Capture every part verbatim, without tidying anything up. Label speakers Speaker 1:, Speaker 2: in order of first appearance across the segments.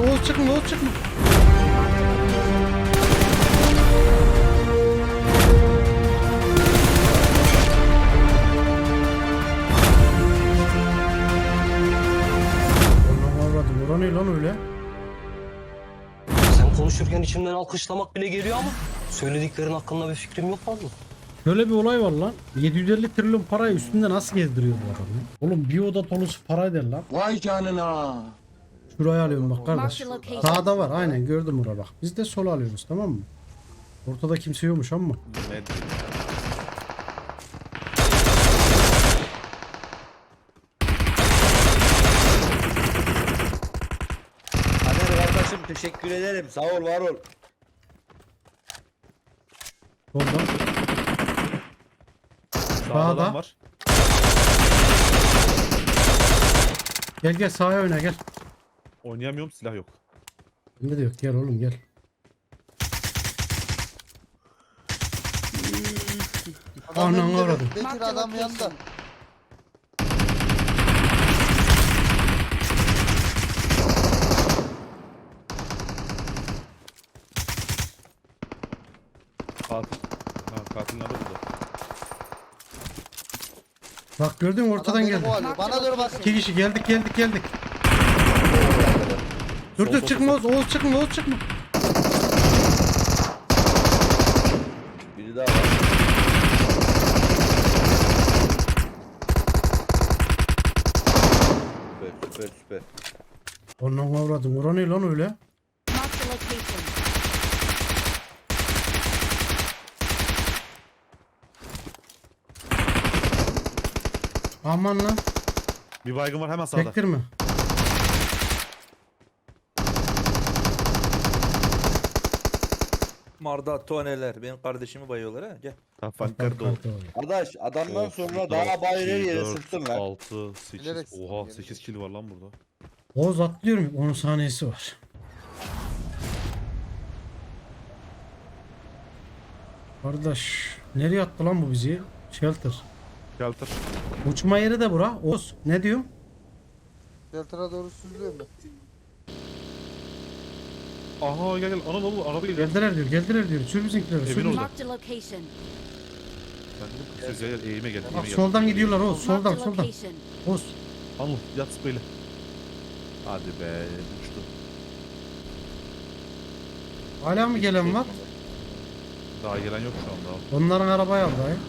Speaker 1: Oğuz çıkma, Oğuz çıkma. Allah'ım avradım. Ora ne lan öyle?
Speaker 2: Sen konuşurken içimden alkışlamak bile geliyor ama söylediklerin hakkında bir fikrim yok vallahi.
Speaker 1: Şöyle bir olay var lan. yedi yüz elli trilyon parayı üstünde nasıl gezdiriyor bu adam ya? Oğlum bir oda dolusu para der lan.
Speaker 3: Vay canına.
Speaker 1: Şurayı alıyorum bak kardeş.
Speaker 4: Mark the location.
Speaker 1: Sağda var aynen gördüm orada bak. Biz de sola alıyoruz tamam mı? Ortada kimse yokmuş ama.
Speaker 5: Ne
Speaker 3: Kader kardeşim teşekkür ederim. Sağ ol, var ol.
Speaker 1: Solda.
Speaker 5: Sağda
Speaker 1: Sağda.
Speaker 5: adam var.
Speaker 1: Gel gel sağa oyna gel.
Speaker 5: Oynayamıyorum, silah yok.
Speaker 1: Bende de yok gel oğlum gel. Anan avradım.
Speaker 4: Bekir adam yanında.
Speaker 5: Katil. Ha, katil nerede burada?
Speaker 1: Bak gördün mü ortadan
Speaker 4: Adam beni
Speaker 1: geldi.
Speaker 4: kovalıyor. Bana doğru bak.
Speaker 1: İki kişi geldik geldik geldik. Dur
Speaker 5: Sol,
Speaker 1: dur
Speaker 5: sol,
Speaker 1: çıkma Oğuz, Oğuz çıkma Oğuz çıkma.
Speaker 3: Biri daha var. Süper süper süper.
Speaker 1: Anan avradım. Ora ne lan öyle?
Speaker 4: Mark the location.
Speaker 1: Aman lan.
Speaker 5: Bir baygın var hemen sağda.
Speaker 1: Çektirme.
Speaker 6: Marda toneler. Benim kardeşimi bayıyorlar ha. Gel.
Speaker 5: Ha, Fanker de oldu.
Speaker 3: Kardeş adamdan sonra daha bayır her yere sıktın lan.
Speaker 5: altı, sekiz.
Speaker 4: Bilerek
Speaker 5: Oha
Speaker 4: sıktın,
Speaker 5: sekiz kill var lan burada.
Speaker 1: Oğuz atlıyorum. on saniyesi var. Kardeş. Nereye attı lan bu bizi? Shelter.
Speaker 5: Shelter.
Speaker 1: Uçma yeri de bura. Oğuz ne diyor?
Speaker 4: Delta'ya doğru süzülüyor mu?
Speaker 5: Aha gel gel. Ana ne oldu? Araba geliyor.
Speaker 1: Geldiler diyor. Geldiler diyor. Sür bizimkileri. Sür
Speaker 5: Evin
Speaker 1: bizim-
Speaker 5: orada.
Speaker 4: Mark the location.
Speaker 5: Ben dedim ki siz gel gel eğime gel.
Speaker 1: Bak
Speaker 5: Eğime gel.
Speaker 1: soldan gidiyorlar Oğuz.
Speaker 4: Mark
Speaker 1: Soldan
Speaker 4: the
Speaker 1: soldan.
Speaker 4: location.
Speaker 1: Oğuz.
Speaker 5: Anıl yat böyle. Hadi be uçtu.
Speaker 1: Hala mı gelen var?
Speaker 5: Daha gelen yok şu anda.
Speaker 1: Onların arabayı aldı ay.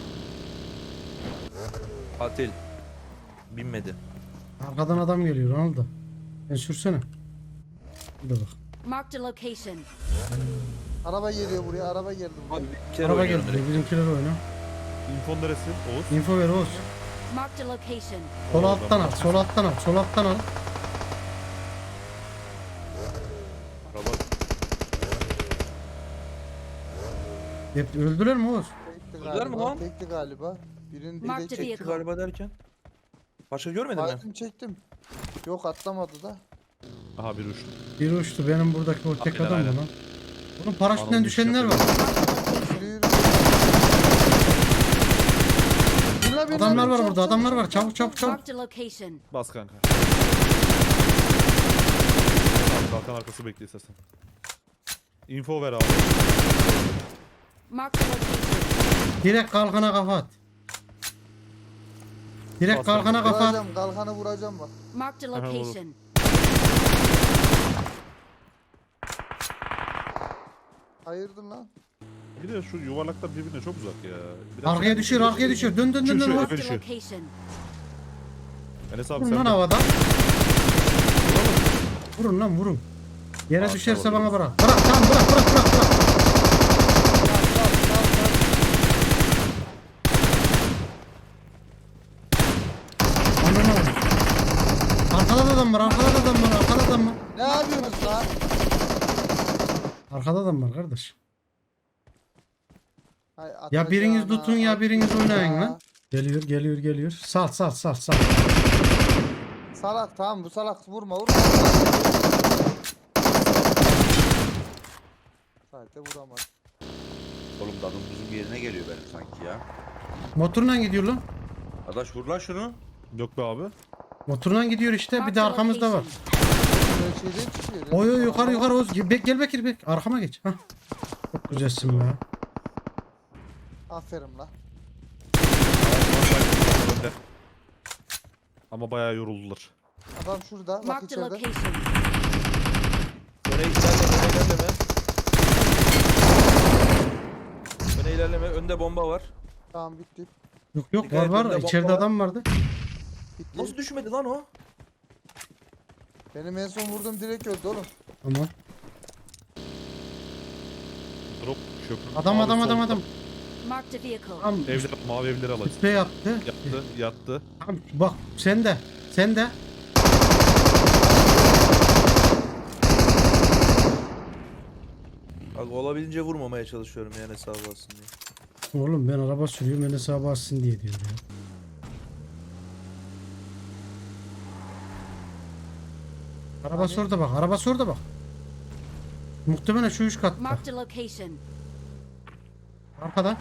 Speaker 6: Katil. Binmedi.
Speaker 1: Arkadan adam geliyor. Ne oldu? Sen sürsene. Bir de bak.
Speaker 4: Mark the location.
Speaker 7: Araba geliyor buraya, araba geldi buraya.
Speaker 6: Abi bir kere
Speaker 1: Araba
Speaker 6: oynuyorum
Speaker 1: geldi.
Speaker 6: direkt.
Speaker 1: Bizimkiler oyna.
Speaker 5: İnfon neresi? Oğuz.
Speaker 1: Info ver Oğuz.
Speaker 4: Mark the location.
Speaker 1: Sol alttan al. Sol alttan al. Sol alttan al.
Speaker 5: Araba.
Speaker 1: Hep öldüler mi Oğuz?
Speaker 7: Tekti
Speaker 6: Öldüler mi
Speaker 7: galiba,
Speaker 6: lan?
Speaker 7: tekti galiba. Birini
Speaker 4: Mark
Speaker 7: biri
Speaker 4: the
Speaker 7: çekti.
Speaker 4: vehicle.
Speaker 6: Galiba derken. Başka görmedin mi?
Speaker 7: Baydım çektim. Yok atlamadı da.
Speaker 5: Aha bir uçtu.
Speaker 1: Bir uçtu. Benim buradaki o tek
Speaker 5: Aynen,
Speaker 1: adam
Speaker 5: aynen.
Speaker 1: bu lan. Bunun paraşütten
Speaker 5: Anam
Speaker 1: düşenler var.
Speaker 5: düşüyor.
Speaker 4: Mark the location.
Speaker 7: Yürü yürü. Binle, binle,
Speaker 1: Adamlar
Speaker 7: binle,
Speaker 1: var
Speaker 7: çabuk,
Speaker 1: burada. Adamlar
Speaker 7: çabuk,
Speaker 1: var. Çabuk çabuk çabuk.
Speaker 4: Mark the location.
Speaker 5: Bas kanka. Kalkan arkası bekle istersen. Info ver abi.
Speaker 4: Mark the location.
Speaker 1: Direkt kalkana kafa at. Direkt
Speaker 5: Bas
Speaker 1: kalkana kafa at.
Speaker 7: Vuracağım, kalkanı vuracağım bak.
Speaker 4: Mark the
Speaker 5: Aha, oğlum.
Speaker 4: location.
Speaker 7: Hayırdır lan?
Speaker 5: Bir de şu yuvarlaklar birbirine çok uzak ya. Biraz
Speaker 1: Arkaya düşüyor. Arkaya düşüyor. Dön dön dön
Speaker 5: Şu,
Speaker 1: dön.
Speaker 5: şu,
Speaker 1: Oğuz.
Speaker 4: Mark the
Speaker 5: Düşüyor.
Speaker 4: location.
Speaker 5: Enes abi
Speaker 1: Vurun
Speaker 5: sen
Speaker 1: lan
Speaker 5: de.
Speaker 1: havada. Vurun lan vurun. Yere
Speaker 5: Aa,
Speaker 1: düşerse
Speaker 5: tamam.
Speaker 1: bana bırak. Bırak tamam bırak bırak bırak bırak. Ananı al. Arkada da adam var. Arkada da adam var. Arkada da adam var.
Speaker 7: Ne yapıyorsunuz lan?
Speaker 1: Arkada adam var kardeş.
Speaker 7: Hay,
Speaker 1: Ya biriniz
Speaker 7: atacağına,
Speaker 1: tutun ya biriniz oynayın
Speaker 7: atacağına.
Speaker 1: lan. Geliyor geliyor geliyor. Sal sal sal sal.
Speaker 7: Salak tamam bu salak vurma vurma. Sadece vuramaz.
Speaker 3: Oğlum dadım buzun yerine geliyor benim sanki ya.
Speaker 1: Motorla gidiyor lan.
Speaker 3: Arkadaş vur lan şunu.
Speaker 5: Yok be abi.
Speaker 1: Motorla gidiyor işte. Bir de arkamızda var.
Speaker 7: Öyle şeyden çıkıyor.
Speaker 1: Oy oy yukarı yukarı Oğuz. Gel, Bek- gel Bekir bek. Arkama geç. Hah. Çok güzelsin be.
Speaker 7: Aferin la.
Speaker 5: Önde. Ama bayağı yoruldular.
Speaker 7: Adam şurada. Bak
Speaker 4: Marked a
Speaker 7: içeride.
Speaker 4: location.
Speaker 6: Öne ilerleme, öne ilerleme. Öne ilerleme, önde bomba var.
Speaker 7: Tamam bitti.
Speaker 1: Yok yok
Speaker 6: Dikkat
Speaker 1: var
Speaker 6: et,
Speaker 1: var.
Speaker 6: önde bomba
Speaker 1: İçeride
Speaker 6: var.
Speaker 1: adam vardı.
Speaker 7: Bitti.
Speaker 6: Nasıl düşmedi lan o?
Speaker 7: Benim en son vurdum direkt öldü oğlum.
Speaker 1: Tamam.
Speaker 5: Drop köprü.
Speaker 1: Adam
Speaker 5: mavi
Speaker 1: adam adam
Speaker 5: solda.
Speaker 1: adam.
Speaker 4: Marked a vehicle.
Speaker 1: Tam
Speaker 5: Evler, mavi evleri alayım.
Speaker 1: sprey yaptı.
Speaker 5: Yattı, yattı.
Speaker 1: Tam bak sen de. Sen de.
Speaker 6: Bak olabildiğince vurmamaya çalışıyorum yani hesabı alsın diye.
Speaker 1: Oğlum ben araba sürüyorum beni sağa bassın diye diyor ya. Arabası orada bak. Arabası orada bak. Muhtemelen şu üç katta.
Speaker 4: Marked a location.
Speaker 1: Arkada.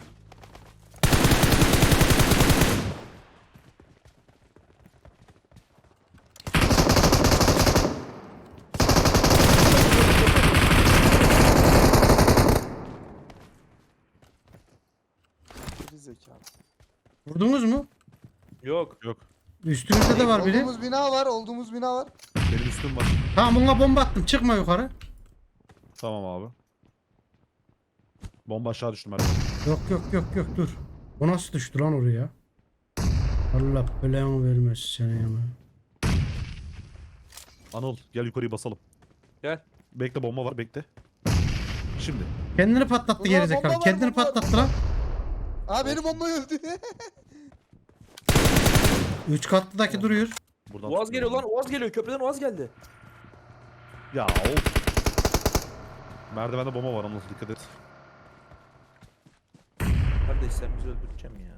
Speaker 7: Geri zekalı.
Speaker 1: Vurdunuz mu?
Speaker 6: Yok.
Speaker 5: Yok.
Speaker 1: Üstünüzde de var biri.
Speaker 7: Olduğumuz bina var. Olduğumuz bina var.
Speaker 5: Benim üstüm var.
Speaker 1: Tamam buna bomba attım. Çıkma yukarı.
Speaker 5: Tamam abi. Bomba aşağı düştü merdiven.
Speaker 1: Yok yok yok yok dur. O nasıl düştü lan oraya? Allah belanı vermesin seni ya.
Speaker 5: Anıl gel yukarıyı basalım.
Speaker 6: Gel.
Speaker 5: Bekle, bomba var, bekle. Şimdi.
Speaker 1: Kendini patlattı
Speaker 7: Ulan
Speaker 1: gerizekalı.
Speaker 7: bomba var,
Speaker 1: Kendini
Speaker 7: bomba var,
Speaker 1: patlattı lan.
Speaker 7: Aa benim bomba öldü.
Speaker 1: Üç katlıdaki duruyor.
Speaker 5: Buradan
Speaker 6: Uaz geliyor lan, Uaz geliyor. Köprüden Uaz geldi.
Speaker 5: Ya of. Merdivende bomba var, Anıl dikkat et.
Speaker 6: Kardeş sen bizi öldüreceğim ya.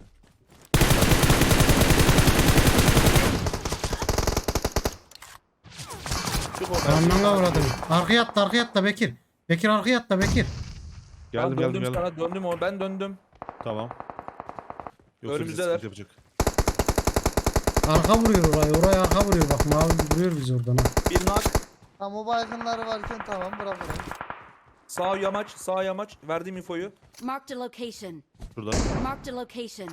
Speaker 6: Çık oradan.
Speaker 1: Anlanga uğradım. Arkaya atla arkaya atla Bekir. Bekir arkaya atla Bekir.
Speaker 5: Geldim
Speaker 6: Ben
Speaker 5: geldim
Speaker 6: döndüm
Speaker 5: geldim.
Speaker 6: sana, döndüm o. Ben döndüm.
Speaker 5: Tamam. Yoksa bize
Speaker 6: Önümüzdeler.
Speaker 5: sıkıntı yapacak.
Speaker 1: Arka vuruyor orayı. Oraya arka vuruyor. Bak mavi vuruyor bizi oradan ha.
Speaker 6: Bir nak.
Speaker 7: Tam o baygınları varken tamam bırak orayı.
Speaker 6: Sağ yamaç, sağ yamaç. Verdiğim infoyu.
Speaker 4: Marked a location.
Speaker 5: Şurada.
Speaker 4: Marked a location.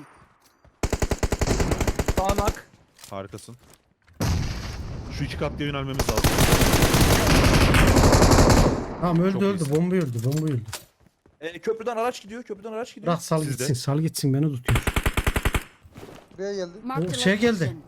Speaker 6: Sağ nak.
Speaker 5: Harikasın. Şu iki katlıya yönelmemiz lazım.
Speaker 1: Tamam öldü
Speaker 5: Çok
Speaker 1: öldü.
Speaker 5: iyisin.
Speaker 1: Bomba öldü. Bomba öldü.
Speaker 6: E, köprüden araç gidiyor, köprüden araç gidiyor.
Speaker 1: Bırak sal
Speaker 5: Sizde.
Speaker 1: gitsin. Sal gitsin beni tutuyor.
Speaker 7: Buraya geldi.
Speaker 4: Marked a
Speaker 1: şey geldi.
Speaker 4: location.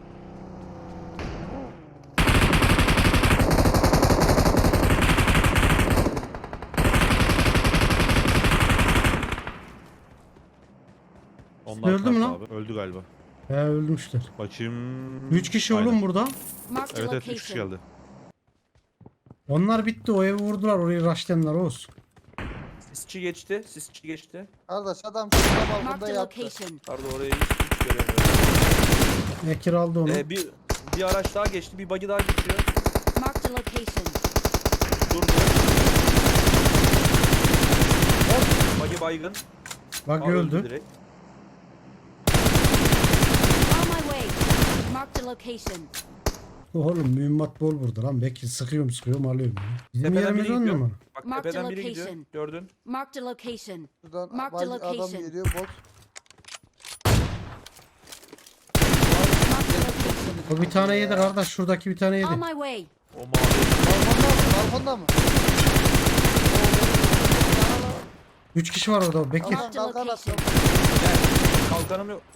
Speaker 5: Onlar
Speaker 1: Öldü mü
Speaker 5: kalktı
Speaker 1: lan?
Speaker 5: Abi. Öldü galiba.
Speaker 1: He ölmüşler.
Speaker 5: Bakayım.
Speaker 1: Üç kişi
Speaker 5: Aynen.
Speaker 1: oğlum burada.
Speaker 4: Marked a
Speaker 5: Evet evet üç kişi
Speaker 4: location.
Speaker 5: geldi.
Speaker 1: Onlar bitti. O evi vurdular. Orayı raşlayanlar olsun.
Speaker 6: Sisçi geçti, sisçi geçti.
Speaker 7: Kardeş adam şurada balkonda
Speaker 4: Marked a
Speaker 7: yattı.
Speaker 4: location.
Speaker 6: Pardon orayı hiç, hiç göremiyorum.
Speaker 1: Bekir aldı onu.
Speaker 6: E, bir, bir araç daha geçti, bir buggy daha geçiyor.
Speaker 4: Marked a location.
Speaker 6: Durdu. Hop, buggy baygın.
Speaker 1: Bak
Speaker 6: Aa,
Speaker 1: öldü.
Speaker 6: direkt.
Speaker 4: On my way. Marked a location.
Speaker 1: Oğlum mühimmat bol burada lan. Bekir sıkıyorum sıkıyorum alıyorum. Ya. Bizim
Speaker 6: Tepeden
Speaker 1: yerimiz
Speaker 6: biri
Speaker 1: on
Speaker 6: gidiyor.
Speaker 1: numara.
Speaker 6: Bak
Speaker 4: Marked
Speaker 6: tepeden biri gidiyor.
Speaker 4: location.
Speaker 6: Gördün.
Speaker 4: Marked a location.
Speaker 7: Şuradan
Speaker 4: Marked
Speaker 7: bay-
Speaker 4: the
Speaker 7: adam
Speaker 4: location.
Speaker 7: geliyor bot.
Speaker 4: Marked a location.
Speaker 1: O bir tane yedi kardeş. Şuradaki bir tane yedi.
Speaker 4: On my way.
Speaker 6: O mavi.
Speaker 7: Balkonda mı? Balkonda mı?
Speaker 1: Üç kişi var orada. Bekir.
Speaker 7: Tamam.
Speaker 4: Marked a
Speaker 7: kalkan
Speaker 4: location.
Speaker 6: Gel. Kalkanım yok.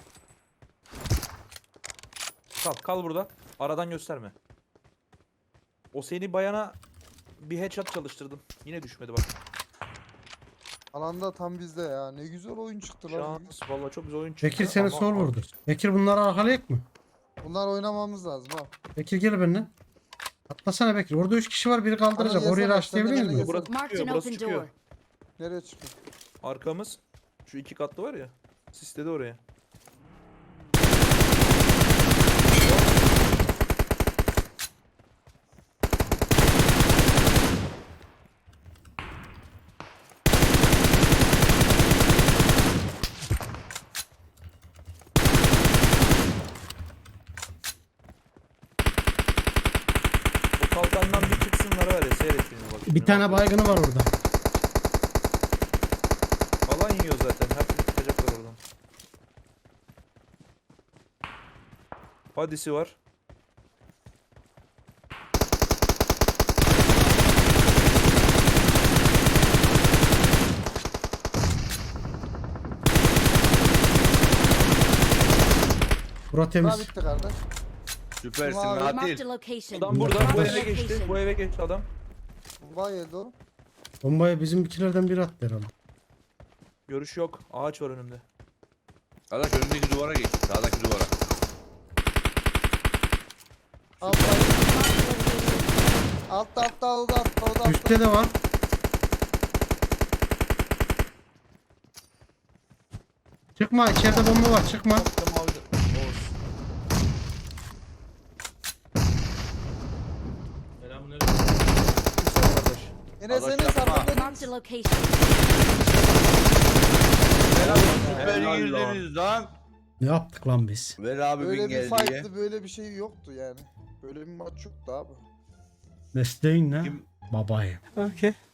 Speaker 6: Kal, kal burada. Aradan gösterme. O seni bayana bir headshot çalıştırdım. Yine düşmedi bak.
Speaker 7: Alanda tam bizde ya. Ne güzel oyun çıktı lan.
Speaker 6: Şans. Vallahi çok güzel oyun çıktı.
Speaker 1: Bekir seni
Speaker 6: ama-
Speaker 1: sol vurdu. Bekir bunları arkalayak mı?
Speaker 7: Bunlar oynamamız lazım ha.
Speaker 1: Bekir gel benimle. Atlasana Bekir. Orada üç kişi var. Biri kaldıracak.
Speaker 7: Ama
Speaker 1: Orayı
Speaker 7: yesene,
Speaker 1: raşlayabilir
Speaker 7: sen de
Speaker 1: miyiz?
Speaker 7: beni
Speaker 6: Burası
Speaker 4: Marked
Speaker 6: çıkıyor,
Speaker 4: an
Speaker 6: burası
Speaker 4: open
Speaker 6: çıkıyor.
Speaker 4: door.
Speaker 7: Nereye çıkıyor?
Speaker 6: Arkamız. Şu iki katlı var ya. Sisledi oraya. O kalkandan
Speaker 1: Bir tane baygını var orada.
Speaker 6: Alan yiyor zaten. Her türlü çıkacaklar oradan. Hadisi var.
Speaker 1: Bura
Speaker 7: Bura
Speaker 1: temiz.
Speaker 7: bitti kardeş.
Speaker 3: Süpersin
Speaker 7: Abi.
Speaker 4: Marked
Speaker 3: Natil.
Speaker 4: a location.
Speaker 6: Adam burada bu
Speaker 4: Marked a
Speaker 6: eve geçti.
Speaker 4: location.
Speaker 6: Bu eve geçti adam.
Speaker 7: Vay yedi o.
Speaker 1: Bombayı bizimkilerden biri attı herhalde.
Speaker 6: Görüş yok. Ağaç var önümde.
Speaker 3: Arkadaş önündeki duvara geç. Sağdaki duvara.
Speaker 7: Altta
Speaker 4: Marked a location.
Speaker 7: altta altta altta altta altta. altta.
Speaker 1: Üstte de var. Çıkma, içeride bomba var, çıkma.
Speaker 6: Altta mavi de- Oğuz. Güzel kardeş.
Speaker 7: Enes
Speaker 3: Arkadaş
Speaker 7: Enes
Speaker 3: yapma.
Speaker 7: arkada
Speaker 4: Marked a location.
Speaker 3: Ver abi süper
Speaker 6: Helal
Speaker 3: girdiniz lan.
Speaker 1: Ne yaptık lan biz?
Speaker 3: Ver abi
Speaker 7: böyle
Speaker 3: bin
Speaker 7: bir
Speaker 3: geldi diye.
Speaker 7: fight'tı böyle bir şey yoktu yani. Böyle bir maç yoktu abi.
Speaker 1: Mesleğin ne?
Speaker 3: Kim-
Speaker 1: Babayım.